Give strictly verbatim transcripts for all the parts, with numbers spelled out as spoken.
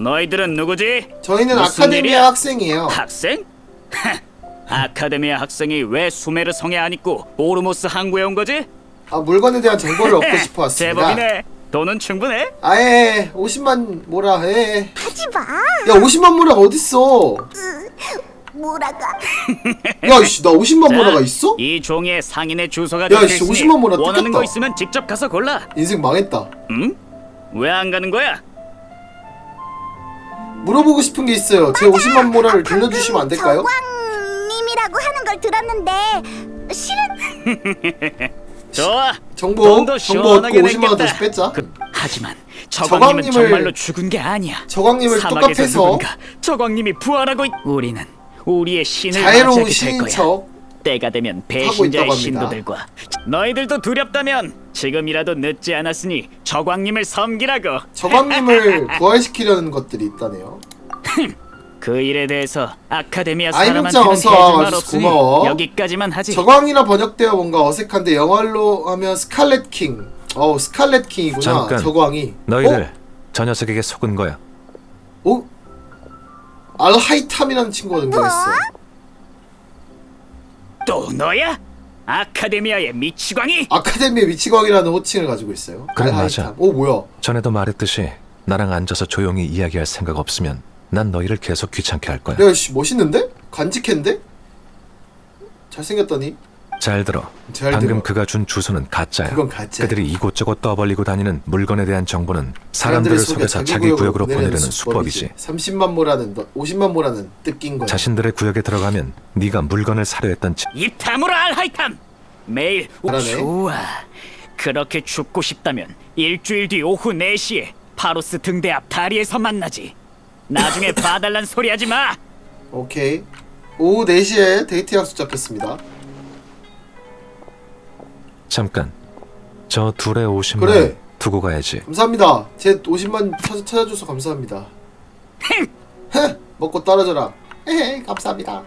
너희들은 누구지? 저희는 무슨 아카데미아 일이야? 학생이에요. 학생? 아카데미아 학생이 왜 수메르 성에 안 있고 오르모스 항구에 온 거지? 아, 물건에 대한 정보를 얻고 싶어 왔습니다. 제법이네. 돈은 충분해? 아예 오십만 모라 해. 하지 마. 야 오십만 모라가 어딨어? 뭐라가? 야 씨 나 오십만 자, 모라가 있어? 이 종이에 상인의 주소가 야, 적혀 씨, 있으니 오십만 모라 원하는 뜯겼다. 거 있으면 직접 가서 골라. 인생 망했다. 응? 왜 안 가는 거야? 물어보고 싶은 게 있어요. 제 오십만 모라를 돌려주시면 안 될까요? 저광님이라고 하는 걸 들었는데 실은 좋아. 정보 돈도 정보 얻고 시원하게 오십만 원 냈겠다. 다시 뺐자. 그, 하지만 저광님은 저광님을- 정말로 죽은 게 아니야. 저광님을 사막에서 똑같아서 누군가 저광님이 부활하고 있... 우리는 우리의 신을 자애로운 맞이하게 될 신인 거야. 척 때가 되면 있다고 배신자의 합니다. 신도들과 너희들도 두렵다면 지금이라도 늦지 않았으니 저광님을 섬기라고. 저광님을 부활시키려는 것들이 있다네요. 그 일에 대해서 아카데미아 아이문자 사람한테는 어서 해줄 말 와줘서 없으니 고마워. 여기까지만 하지. 저광이라 번역되어 뭔가 어색한데 영어로 하면 스칼렛 킹. 어우 스칼렛 킹이구나. 잠깐. 저광이. 너희들 저 녀석에게 속은 거야. 어? 어? 알하이탐이라는 친구가 등장했어. 또 너야? 아카데미아의 미치광이? 아카데미의 미치광이라는 호칭을 가지고 있어요. 그래, 알하이탐. 맞아. 오 뭐야? 전에도 말했듯이 나랑 앉아서 조용히 이야기할 생각 없으면 난 너희를 계속 귀찮게 할 거야. 야씨 멋있는데? 간직했는데? 잘생겼더니? 잘 들어. 잘 방금 들어. 그가 준 주소는 가짜야. 그건 가짜야. 그들이 이곳저곳 떠벌리고 다니는 물건에 대한 정보는 사람들을 사람들을 속여 속여서 자기 구역으로 보내려는 수법이지. 삼십만 모라는 너, 오십만 모라는 뜯긴 거야. 자신들의 구역에 들어가면 네가 물건을 사려 했던 지... 입 다물어 알하이탐. 매일 오, 잘하네. 좋아. 그렇게 죽고 싶다면 일주일 뒤 오후 네 시에 파로스 등대 앞 다리에서 만나지. 나중에 봐달란 소리 하지 마. 오케이. 오후 네 시에 데이트 약속 잡혔습니다. 잠깐. 저 둘의 오십만 그래. 원 두고 가야지. 감사합니다. 제 오십만 찾아, 찾아줘서 감사합니다. 헤! 먹고 떨어져라. 헤헤 감사합니다.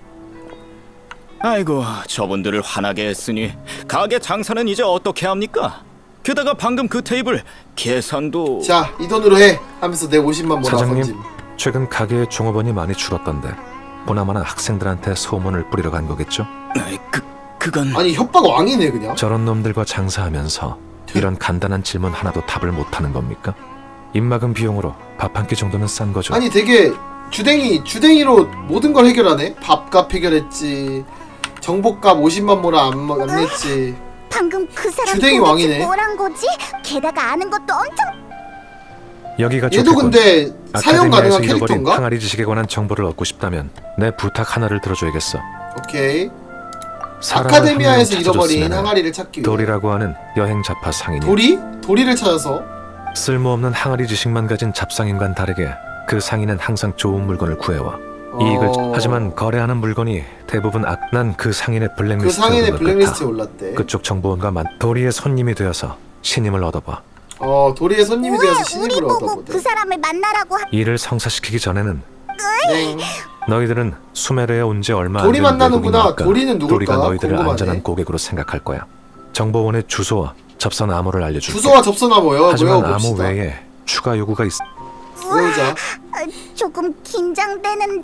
아이고, 저분들을 화나게 했으니 가게 장사는 이제 어떻게 합니까? 게다가 방금 그 테이블 계산도... 자, 이 돈으로 해! 하면서 내 오십만 모라 사장님, 던짐. 최근 가게의 종업원이 많이 줄었던데 보나마나 학생들한테 소문을 뿌리러 간 거겠죠? 아이, 그, 그건... 아니 협박 왕이네 그냥. 저런 놈들과 장사하면서 이런 간단한 질문 하나도 답을 못하는 겁니까? 입막은 비용으로 밥 한 끼 정도는 싼 거죠. 아니 되게 주댕이 주댕이로 모든 걸 해결하네. 밥값 해결했지. 정보값 오십만 모라 안, 안 냈지. 방금 그 사람 주댕이 도대체 왕이네. 뭐란 거지? 게다가 아는 것도 엄청 여기가 얘도 좋겠군. 근데 사용 아카데미아에서 가능한 잃어버린 캐릭터인가? 항아리 지식에 관한 정보를 얻고 싶다면 내 부탁 하나를 들어줘야겠어. 오케이. 사람을 아카데미아에서 한 명 잃어버린 찾아줬으면은 항아리를 찾기 위해 도리라고 하는 여행 잡화 상인이 도리? 도리를 찾아서 쓸모없는 항아리 지식만 가진 잡상인과는 다르게 그 상인은 항상 좋은 물건을 구해와 이익을 어... 하지만 거래하는 물건이 대부분 악... 난 그 상인의 그 블랙리스트에 상인의 오른 것 블랙리스트에 같아. 올랐대. 그쪽 정보원과 만 도리의 손님이 되어서 신임을 얻어봐. 어 도리의 손님이 왜 되어서 우리 신입을 보고 얻어보대. 그 사람을 만나라고 하... 일을 성사시키기 전에는 네. 너희들은 수메르에 온 지 얼마 안 도리 된 만나는구나. 외국인이니까 도리는 누굴까? 도리가 너희들을 궁금하네. 안전한 고객으로 생각할 거야. 정보원의 주소와 접선 암호를 알려줄게. 주소와 접선화 뭐요? 하지만 암호 외워봅시다. 외에 추가 요구가 있... 외우자. 아, 조금 긴장되는...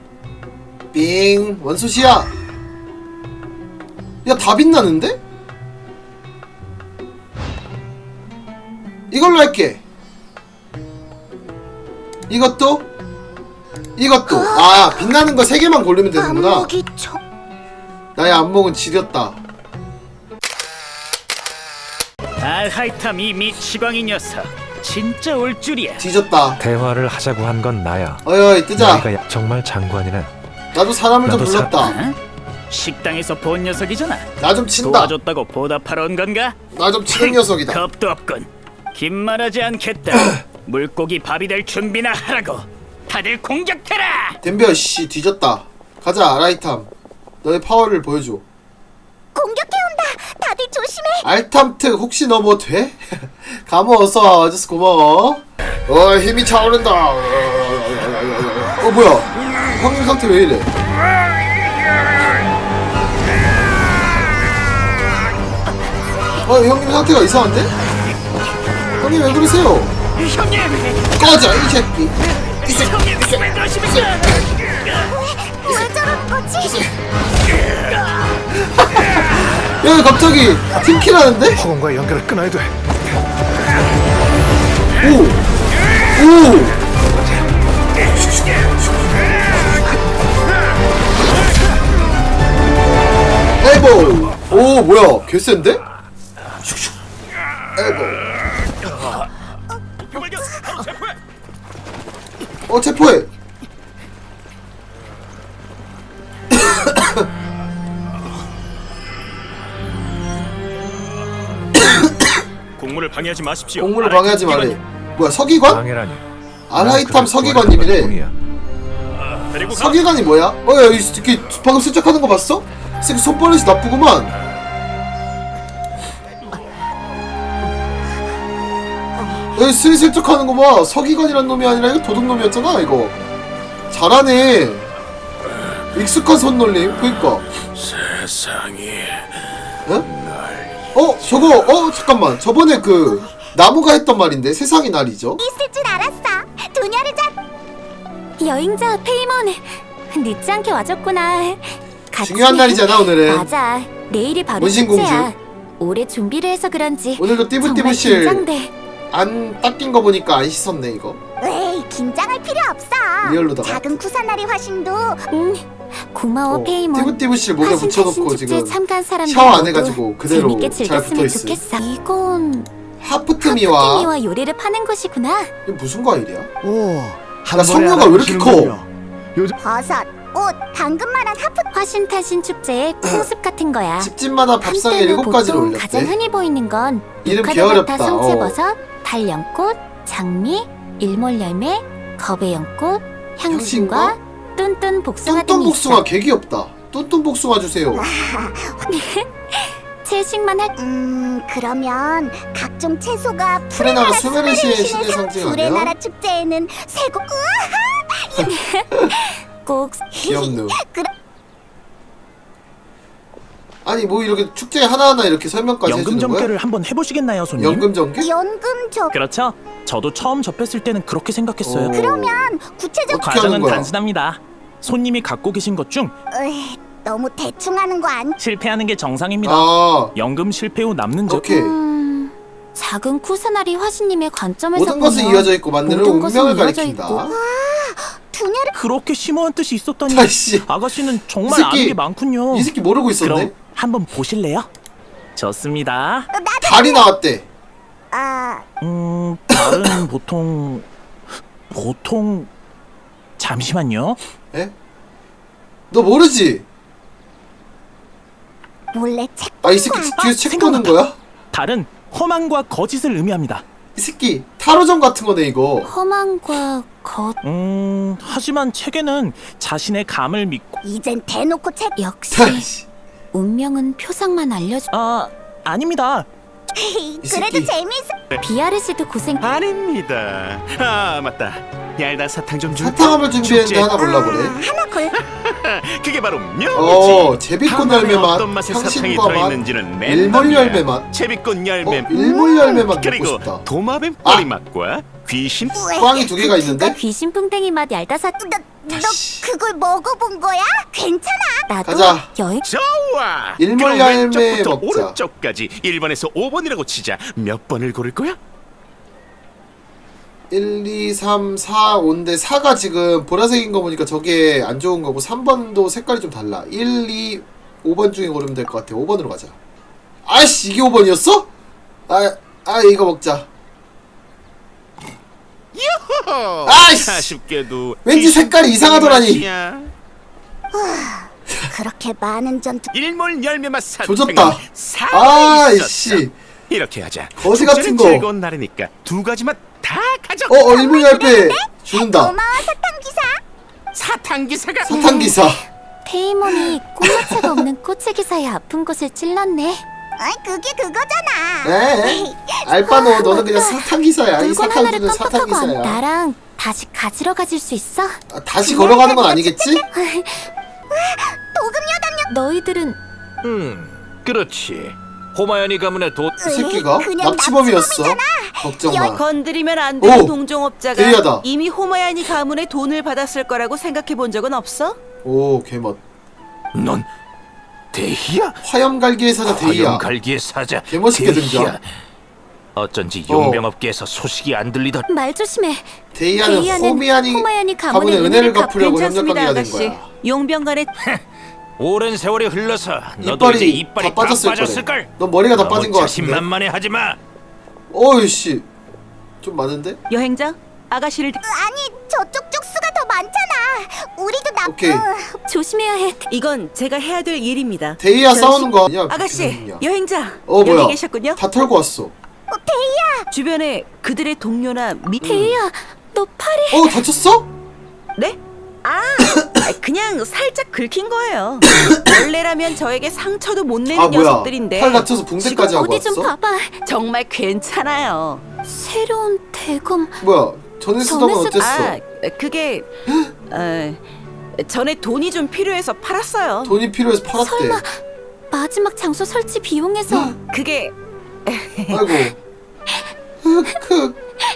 빙 원수시야. 야 다 빛나는데? 이걸로 할게. 이것도 이것도 아 빛나는 거 세 개만 고르면 되는구나. 안목이 저... 나의 안목은 지렸다. 알하이탐 이 미치광이 녀석 진짜 올 줄이야. 뒤졌다. 대화를 하자고 한 건 나야. 어이 뜨자. 너희가 야- 정말 장관이네. 나도 사람을 좀 나도 사- 불렀다. 어? 식당에서 본 녀석이잖아. 나 좀 친다. 도와줬다고 보답하러 온 건가? 나 좀 치는 녀석이다. 겁도 없군. 긴말하지 않겠다. 물고기 밥이 될 준비나 하라고. 다들 공격해라. 덤벼 씨 뒤졌다. 가자 아라이탐. 너의 파워를 보여줘. 공격해온다! 다들 조심해! 알탐특 혹시 너 뭐 돼? 감호 어서 와줘서 고마워. 어 힘이 차오른다. 어 뭐야? 형님 상태 왜 이래? 어 형님 상태가 이상한데? 형님 왜 그러세요? 형님! 꺼져 이 새끼. 이 새끼. 형님 왜 그러십니까? 왜 저러는 거지? 야 갑자기 팀킬하는데? 허공과 연결을 끊어야 돼. 오! 오! 엘보! 오 뭐야 개센데? 슉슉 엘보. 발견! 바로 체포해! 어 체포해. 공무를 방해하지 마십시오. 공무를 방해하지 말래. 뭐야 서기관? 방해라니. 아라이탐 서기관님이래. 데리고 가. 서기관이 뭐야? 어야 이 새끼 방금 슬쩍 하는 거 봤어? 이 새끼 손버릇이 나쁘구만. 여기 슬슬쩍 하는 거 봐. 서기관이란 놈이 아니라 이거 도둑놈이었잖아 이거. 잘하네. 익숙한 손놀림. 그니까. 세상이 어? 어? 저거 어? 잠깐만 저번에 그 나무가 했던 말인데 세상이 날이죠? 있을 줄 알았어. 두녀를 잡. 여행자 페이몬, 늦지 않게 와줬구나. 같이 중요한 날이잖아 오늘은. 맞아. 내일이 바로 문신공주. 축제야. 올해 준비를 해서 그런지 오늘도 정말 띠부띠부실 긴장돼. 안 닦인 거 보니까 안 씻었네 이거. 에이, 긴장할 필요 없어. 리얼로다가. 작은 쿠사나리 화신도. 응. 고마워 어, 페이몬. 띠부띠부실 목에 화신 붙여놓고 타신 지금 축제에 참가한 사람들 샤워 안 모두 해가지고 그대로 재밌게 잘 즐겼으면 붙어있어. 좋겠어. 이건 하프트미와 하프티미와 요리를 파는 곳이구나. 이게 무슨 과일이야? 오, 야 성녀가 왜 이렇게 커? 버섯, 옷, 당근만한 하프 화신 타신 축제의 풍습 같은 거야. 집집마다 밥상에 한때는 일곱 가지를 보통 가장 올렸대. 흔히 보이는 건 이름 유카도바타 게으렵다. 어. 성채버섯, 달연꽃, 장미, 일몰열매, 거배연꽃, 향신과 뚠뚠 복숭아 뚠뚠 등이 복숭아 있어. 개 귀엽다. 뚠뚠 복숭아 주세요. 채식만 할. 음 그러면 각종 채소가 프레나가 프레나라 수메르시의 수메르 신의 신의 상징 프레나라 아니야? 축제에는 세고 꼭 귀엽누. 그래. 아니 뭐 이렇게 축제 하나하나 이렇게 설명까지 연금 해주는 거야? 점괘를 한번 해보시겠나요, 손님? 연금 전개? 연금 저 그렇죠. 저도 처음 접했을 때는 그렇게 생각했어요. 어. 그러면 구체적 어떻게 하는 과정은 거야? 단순합니다. 손님이 갖고 계신 것 중 으이, 너무 대충 하는 거 아니? 실패하는 게 정상입니다. 아 연금 실패 후 남는 적 오케이. 음, 작은 쿠사나리 화신님의 관점에서 모든 것은 보면 이어져 있고 만드는 모든 것은 운명을 이어져 가리킨다. 있고. 두녀를 그렇게 심오한 뜻이 있었다니. 아이씨. 아가씨는 정말 이 새끼, 아는 게 많군요. 이 새끼 모르고 있었네. 그럼 한번 보실래요? 좋습니다. 달이 나왔대. 아 음, 다른 보통 보통 잠시만요. 에? 너 모르지? 몰래 책 아 이 새끼 아, 뒤에서 책 생각났다. 보는 거야? 달은 허망과 거짓을 의미합니다. 이 새끼 타로점 같은 거네 이거. 험한과 겉 음, 하지만 책에는 자신의 감을 믿고 이젠 대놓고 책 역시 타이씨. 운명은 표상만 알려줘. 아, 아닙니다. 그래도 새끼. 재밌어. 비아르 씨도 고생. 아닙니다. 아 맞다. 얄다 사탕 좀 줄까? 사탕 한번 준비했는데 축제. 하나 골라보래. 하나 골. 그게 바로 명이지. 어 제비꽃 한 열매 안에 맛, 어떤 맛의 사탕이 향신과 맛, 들어있는지는 일몰 열매 맛. 제비꽃 열매 어 일몰 열매 맛 먹고 그리고 싶다. 도마뱀 아. 꼬리 맛과 귀신 꽝이 두 개가 있는데? 귀신 풍뎅이 맛 얄다사. 너, 너 다시. 그걸 먹어본 거야? 괜찮아. 나도 가자. 여행. 좋아. 일몰 그럼 열매 왼쪽부터 먹자. 오른쪽까지 일 번에서 오 번이라고 치자. 몇 번을 고를 거야? 일, 이, 삼, 사, 오인데 사가 지금 보라색인 거 보니까 저게 안 좋은 거고 삼 번도 색깔이 좀 달라. 일, 이, 오 번 중에 고르면 될 것 같아. 오 번으로 가자. 아이씨 이게 오 번이었어? 아, 아 이거 먹자. 아이씨! 아쉽게도 왠지 귀신 색깔이 이상하더라니. 맛이야. 그렇게 많은 전투. 일몰 열매 맛 사탕 조졌다. 사 아이씨. 이렇게 하자. 거지 같은 축제는 거. 즐거운 날이니까 두 가지 맛 다 가져. 어, 어 일몰 열매 준다. 고마워 사탕 기사. 사탕 기사가 사탕 기사. 페이몬이 꽃마차가 없는 꽃의 기사의 아픈 곳을 찔렀네. 아, 그게 그거잖아. 에? 알바노 너는 그냥 사탕 기사야. 이 물건 사탕 하나를 주는 사탕 깜빡하고 안- 기사야. 나랑 다시 가지러 가질 수 있어? 아, 다시 걸어가는 건 아니겠지? 도금 여담요. 너희들은 음, 그렇지. 호마연이 가문의 도 이 새끼가 그냥 납치범이었어. 납치범이잖아. 걱정 여- 마. 건드리면 안 되는 오! 동종업자가 데이하다. 이미 호마야니 가문의 돈을 받았을 거라고 생각해 본 적은 없어? 오 개멋. 넌 대희야? 화염갈기의 사자 데이야. 갈기의 사자. 개멋있게 대희야. 등장. 어쩐지 어. 용병업계에서 소식이 안 들리던. 말 조심해. 데이아는 데이아는 호미아니 호마야니 가문의 가문의 은혜를 은혜를 갚- 갚으려고 괜찮습니다, 협력관계가 된 아가씨. 거야. 용병간의 오랜 세월이 흘러서 너도 이제 이빨이 이빨이 다 빠졌을 빠졌을 거래. 걸. 넌 머리가 다 빠진 거 같은데. 자신만만해 하지 마. 어이씨. 좀 많은데? 여행자 아가씨를 아니 저쪽 쪽수가 더 많잖아. 우리도 나. 오케이. 조심해야 해. 이건 제가 해야 될 일입니다. 데이아 저 싸우는 거 아니야? 아가씨 비키는냐. 여행자 어 여기 뭐야? 계셨군요. 다 털고 왔어. 주변에 그들의 동료나 미 데이야, 너 팔이. 어 다쳤어? 네? 아 그냥 살짝 긁힌 거예요. 원래라면 저에게 상처도 못 내는 아 뭐야? 녀석들인데 팔 다쳐서 붕대까지 하고 어디 좀 왔어? 봐봐. 정말 괜찮아요. 새로운 대검. 뭐야? 전에 쓰던 건 전에 쓰- 어땠어? 아 그게 어, 전에 돈이 좀 필요해서 팔았어요. 돈이 필요해서 팔았대. 설마 마지막 장소 설치 비용에서. 그게 아이고. 흑흑.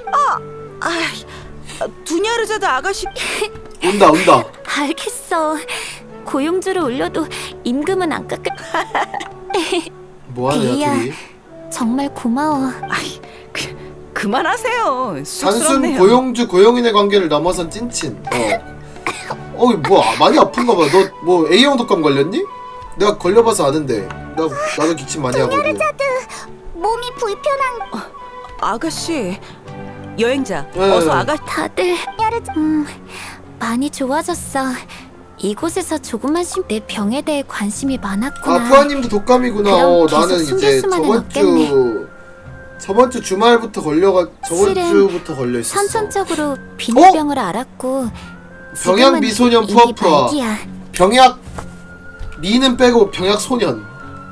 아 두냐르자드 아가씨 온다 온다. 알겠어. 고용주를 올려도 임금은 안 깎을. 뭐하냐 데이아. 둘이? 정말 고마워. 아이 그, 그만하세요. 단순 쑥스럽네요. 고용주 고용인의 관계를 넘어선 찐친. 어. 어이 뭐야 많이 아픈가 봐. 너 뭐 A형 독감 걸렸니? 내가 걸려봐서 아는데. 나 나도 기침 많이 하거든. 몸이 불편한. 아가씨 여행자 네. 어서 아가 다들. 음, 많이 좋아졌어. 이곳에서 조금만 쉴 내 병에 대해 관심이 많았구나. 아 푸아님도 독감이구나. 그럼 어, 계속 나는 숨길 이제 수만은 저번 없겠네. 주 저번 주 주말부터 걸려가 저번 실은 주부터 걸려 있었어. 선천적으로 비늘병을 알았고. 병약 지금은 미소년 이미 푸아푸아. 말기야. 병약 미는 빼고 병약 소년.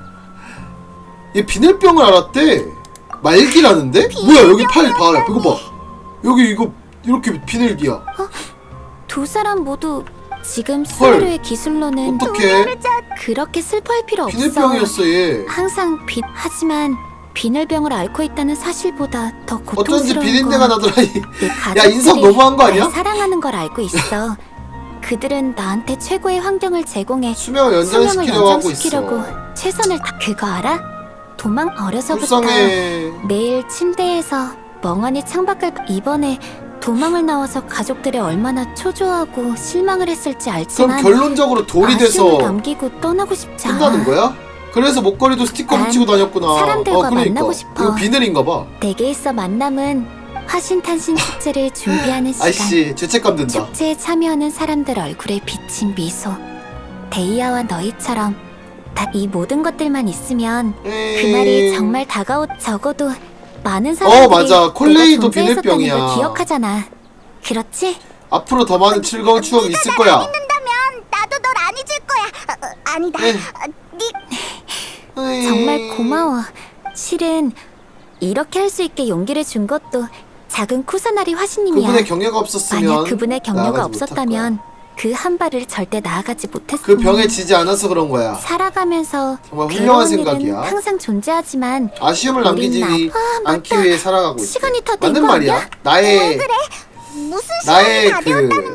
얘 비늘병을 알았대. 말기라는데? 뭐야 여기 팔 봐. 이거 봐. 여기 이거 이렇게 비늘기야. 두 사람 모두 지금 수하루의 기술로는 어떡해? 그렇게 슬퍼할 필요 없어. 비늘병이었어 얘. 항상 비 하지만 비늘병을 앓고 있다는 사실보다 더 어쩐지 고통스러운 비린내가 건 나더라. 이. 내 야 가족들이 인성 너무한 거 아니야? 날 사랑하는 걸 알고 있어. 그들은 나한테 최고의 환경을 제공해 수명을 수명을 연장시키려고 하고 연장시키려고 있어. 최선을 다. 그거 알아? 도망 어려서부터 불쌍해. 매일 침대에서 멍하니 창밖을 이번에 도망을 나와서 가족들이 얼마나 초조하고 실망을 했을지 그럼 알지만 결론적으로 돌이 돼서 아쉬움을 남기고 떠나고 싶지 않아. 끝나는 거야? 그래서 목걸이도 스티커 난 붙이고 다녔구나. 사람들과 어, 그러니까. 만나고 싶어. 이거 비늘인가 봐. 내게 있어 만남은 화신탄신 축제를 준비하는 시간. 아이씨 죄책감 든다. 축제에 참여하는 사람들 얼굴에 비친 미소. 데이아와 너희처럼 딱 이 모든 것들만 있으면 에이. 그날이 정말 다가오. 적어도 많은 사람들이 어, 맞아. 콜레이도 내가 존재했었다는 비늘병이야. 걸 기억하잖아. 그렇지? 앞으로 더 많은 즐거운 추억이 있을 거야. 나도 널 안 잊을 거야. 어, 아니다. 에이. 네. 정말 고마워. 실은 이렇게 할 수 있게 용기를 준 것도 작은 쿠사나리 화신님이야. 그분의 경력가 없었으면 만약 그분의 경려가 나아가지 못할 없었다면 그 한 발을 절대 나아가지 못했을 그 병에 지지 않아서 그런 거야. 살아가면서 정말 훌륭한 괴로운 일은 생각이야. 항상 존재하지만 아쉬움을 우린 남기지 나- 아, 않기 맞다. 위해 살아가고 있지. 시간이 다 된 맞는 거 말이야. 아니야? 나의 무슨 나의 그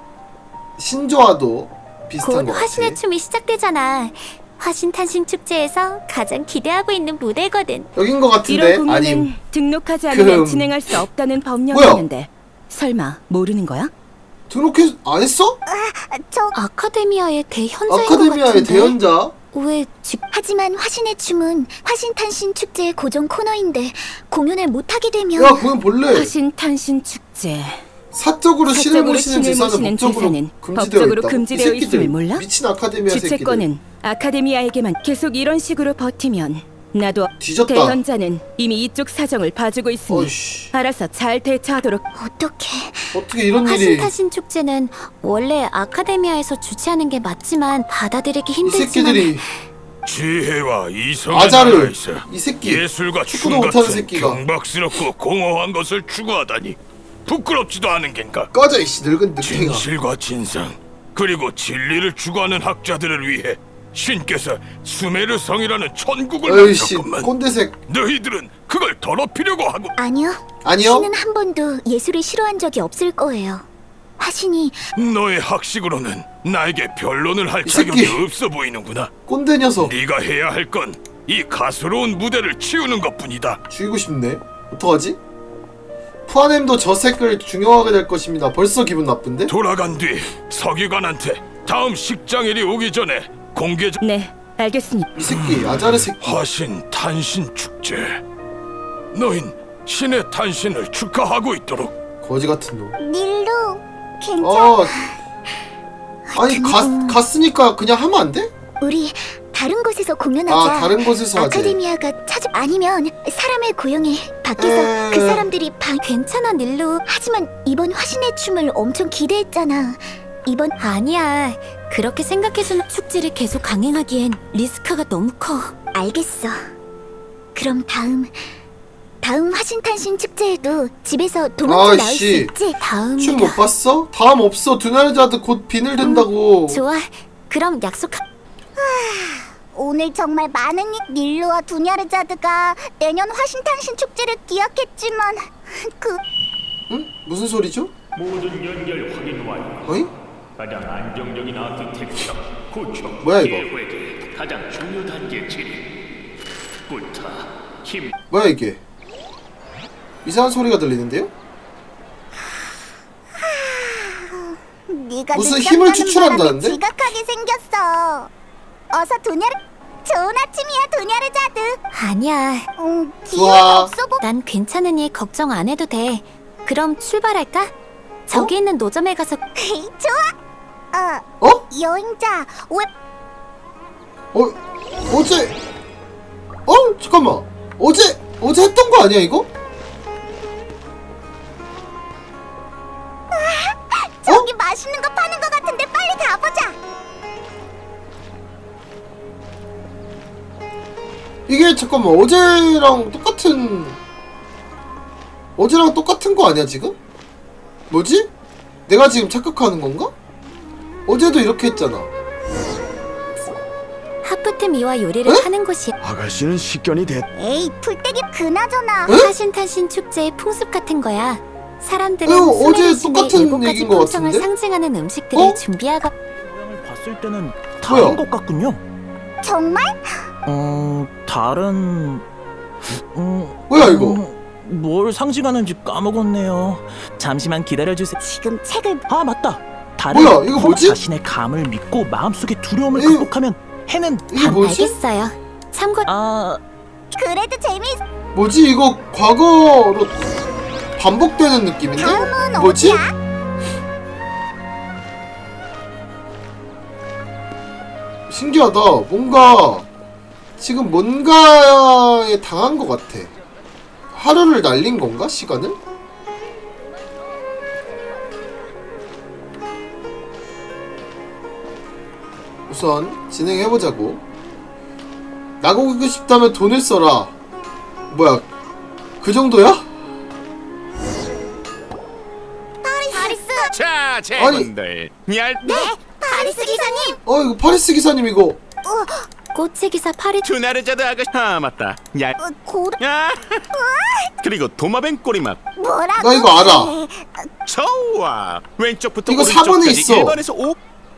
신조와도 비슷한 곧 거 같아. 화신의 춤이 시작되잖아. 화신탄신 축제에서 가장 기대하고 있는 무대거든. 여긴 거 같은데 이런 공연은 아님. 등록하지 않으면 그- 진행할 수 없다는 법령이 뭐야? 있는데 설마 모르는 거야? 등록해 안 했어? 저 아카데미아의 대현자인 것 아카데미아의 같은데. 대연자. 왜 집... 하지만 화신의 춤은 화신탄신 축제의 고정 코너인데 공연을 못하게 되면 야 그건 본래 화신탄신 축제. 사적으로 신을 사적으로 모시는 신을 제사는 모시는 법적으로 제사는 금지되어 법적으로 있다고. 금지되어 이 새끼들, 있음을 몰라? 미친 아카데미아 새끼들. 주최권은 아카데미아에게만. 계속 이런 식으로 버티면 나도 뒤졌다. 대현자는 이미 이쪽 사정을 봐주고 있으니 어이씨. 알아서 잘 대처하도록. 어떻게 어떻게 이런 일이. 화신탄신 축제는 원래 아카데미아에서 주최하는 게 맞지만 받아들이기 이 힘들지만 새끼들이 지혜와 이성의 아자를 나라에서 이 새끼 예술과 축구도 춤 못하는 같은 새끼가. 경박스럽고 공허한 것을 추구하다니 부끄럽지도 않은 겐가. 꺼져 이씨 늙은 늑탱아. 진실과 진상 그리고 진리를 추구하는 학자들을 위해 신께서 수메르 성이라는 천국을 어이씨 만들었건만 꼰대색. 너희들은 그걸 더럽히려고 하고 아니요. 아니요. 신은 한 번도 예술을 싫어한 적이 없을 거예요. 화신이 너의 학식으로는 나에게 변론을 할 이 새끼. 자격이 없어 보이는구나. 꼰대 녀석. 네가 해야 할 건 이 가스로운 무대를 치우는 것뿐이다. 죽이고 싶네. 어떡하지? 푸아넴도 저 색을 중용하게 될 것입니다. 벌써 기분 나쁜데? 돌아간 뒤 서기관한테 다음 식장일이 오기 전에 공개적 네, 알겠습니다. 이 새끼 아자르 새끼. 화신 탄신 축제. 너흰 신의 탄신을 축하하고 있도록. 거지 같은 놈. 닐루 괜찮아. 어. 아니 가, 갔으니까 그냥 하면 안 돼? 우리 다른 곳에서 공연하자. 아 다른 곳에서 하지. 아카데미아가 찾아 아니면 사람의 고용에 밖에서 에... 그 사람들이 방 괜찮아 닐루. 하지만 이번 화신의 춤을 엄청 기대했잖아. 이번 아니야. 그렇게 생각해서는 축제를 계속 강행하기엔 리스크가 너무 커. 알겠어. 그럼 다음 다음 화신탄신 축제에도 집에서 도망쳐 나올 수 아이씨. 있지? 다음 춤 못 봤어? 다음 없어. 두나르자드 곧 비늘 된다고. 좋아. 그럼 약속. 오늘 정말 많은 이- 닐루와 두냐르자드가 내년 화신탄신 축제를 기약했지만 그 응? 무슨 소리죠? 모든 연결 확인 완료. 어이? 가장 안정적인 아키텍처 구축 뭐야, 이거? 계획의 가장 중요 단계 진입. 부터 힘 뭐야 이게? 이상한 소리가 들리는데요? 네가 무슨 늦잠 힘을 자는 추출한다는데? 바람에 지각하게 생겼어. 어서 두냐르 좋은 아침이야 두냐르자드. 아니야. 음, 좋아. 기회가 없어 보. 난 괜찮으니 걱정 안 해도 돼. 그럼 출발할까? 저기 있는 노점에 가서. 좋아. 어. 어? 여행자 왜? 어? 어제? 어? 잠깐만. 어제 어제 했던 거 아니야 이거? 저기 맛있는 거 파는 거 같은데 빨리 가보자. 이게 잠깐만 어제랑 똑같은 어제랑 똑같은 거 아니야 지금? 뭐지? 내가 지금 착각하는 건가? 어제도 이렇게 했잖아. 하프트 미와 요리를 에? 하는 곳이. 아가씨는 식견이 됐. 에이 풀떼기 그나저나 에? 화신탄신 축제의 풍습 같은 거야. 사람들은 어, 어제 수메르신의 똑같은 일곱 가지 얘기인 것 품성을 같은데? 상징하는 음식들을 어? 준비하고. 모양을 봤을 때는 다른 뭐야? 것 같군요. 정말? 어, 다른... 음, 뭐야, 이거? 음, 뭘 상징하는지 까먹었네요. 잠시만 기다려주세요. 지금 책을 아, 맞다. 다른 뭐야, 이거 뭐지? 자신의 감을 믿고 마음속의 두려움을 이거- 극복하면 해는 이게 단... 뭐지? 알겠어요. 참고. 아, 그래도 재미. 뭐지 이거 과거로 반복되는 느낌인데? 다음은 뭐지? 어디야? 신기하다. 뭔가 지금 뭔가에 당한 것 같아. 하루를 날린 건가? 시간을? 우선 진행해보자고. 나고기고 싶다면 돈을 써라. 뭐야 그 정도야? 파리스. 자, 제군들. 얄 네, 파리스 기사님. 어 이거 파리스 기사님 이거. 꽃의 기사 파리. 두나르자드 아가씨. 아, 맞다. 얄 어, 고르. 아, 그리고 도마뱀 꼬리맛. 뭐라고? 나 이거 알아. 좋아. 왼쪽부터 이거 사 번에 오른쪽까지 있어. 일 번에서 오.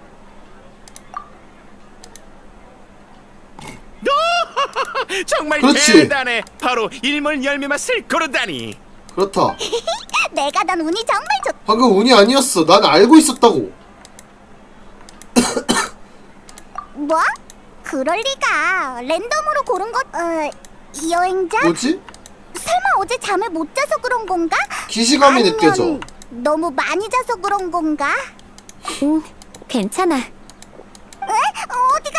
정말 그렇지. 대단해. 바로 일몰 열매 맛을 고르다니. 그렇다. 내가 난 운이 정말 좋. 방금 운이 아니었어. 난 알고 있었다고. 뭐? 그럴 리가. 랜덤으로 고른 것. 어, 여행자? 뭐지? 설마 어제 잠을 못 자서 그런 건가? 기시감이 아니면 느껴져. 너무 많이 자서 그런 건가? 응, 괜찮아. 에? 어디가?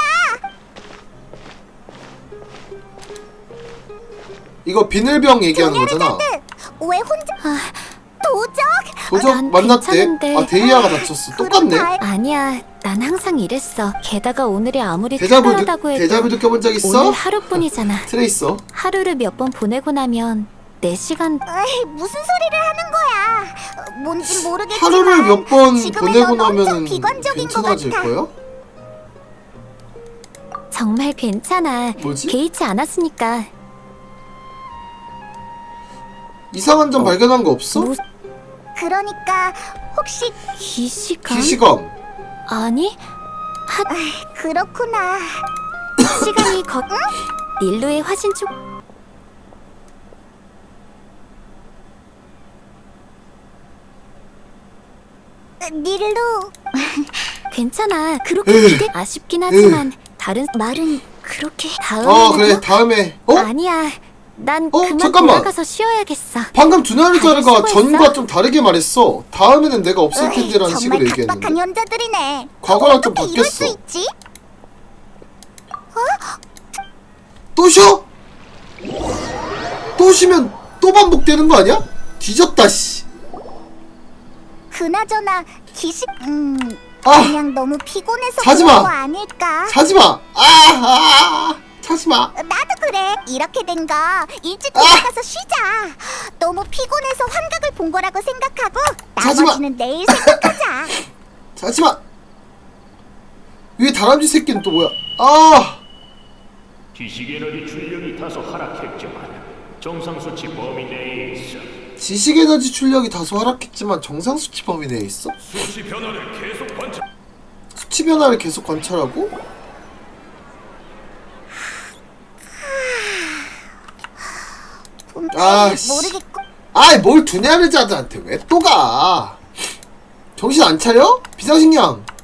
이거 비늘병 얘기하는 거잖아. 왜 혼자? 아, 도적? 도적 난 만났대. 괜찮은데. 아 데이아가 다쳤어. 똑같네. 아니야, 난 항상 이랬어. 게다가 오늘이 아무리 데자부 느, 특별하다고 해도 데자부 느껴본 적 있어? 오늘 하루뿐이잖아. 트레이서. 하루를 몇 번 보내고 나면 내 시간. 에이, 무슨 소리를 하는 거야? 뭔진 모르겠지만 하루를 몇 번 지금의 보내고 넌 엄청 나면은 비관적인 것 괜찮아질 같아. 거야? 정말 괜찮아. 뭐지? 개의치 않았으니까. 이상한 점 발견한 거 없어? 뭐- 그러니까 혹시 기시감? 기시검. 아니, 그렇구나. 시간이 거... 닐루의 화신 쪽... 닐루, 괜찮아. 그렇게 으. 기대... 아쉽긴 하지만 다른 말은 그렇게 다음에... 어 그래 다음에. 어? 아니야. 난 어, 그만 잠깐만. 돌아가서 쉬어야겠어. 방금 두나르자르가 다들 수고했어? 전과 좀 다르게 말했어. 다음에는 내가 없을 으이, 텐데라는 식으로 정말 얘기했는데. 각박한 현자들이네. 과거랑 좀 어떻게 이럴 수 바뀌었어. 있지? 또 쉬어? 또 쉬면 또 반복되는 거 아니야? 뒤졌다 씨. 그나저나 기식, 음, 아 그냥 너무 피곤해서 자지 그런 마. 거 아닐까? 자지마. 아, 아, 자지마. 나도 그래. 이렇게 된 거 일찍 아! 돌아가서 쉬자. 너무 피곤해서 환각을 본 거라고 생각하고 자지 마. 나머지는 내일 생각하자. 자지마. 위에 다람쥐 새끼는 또 뭐야? 아, 지식에너지 출력이 다소 하락했지만 정상 수치 범위 내에 있어. 지식 에너지 출력이 다소 하락했지만 정상 수치 범위 내에 있어? 수치 변화를 계속 관찰. 수치 변화를 계속 관찰하고? 아, 씨. 모르겠고. 아이 뭘 두냐르자드한테 왜 또 가? 정신 안 차려? 비상식량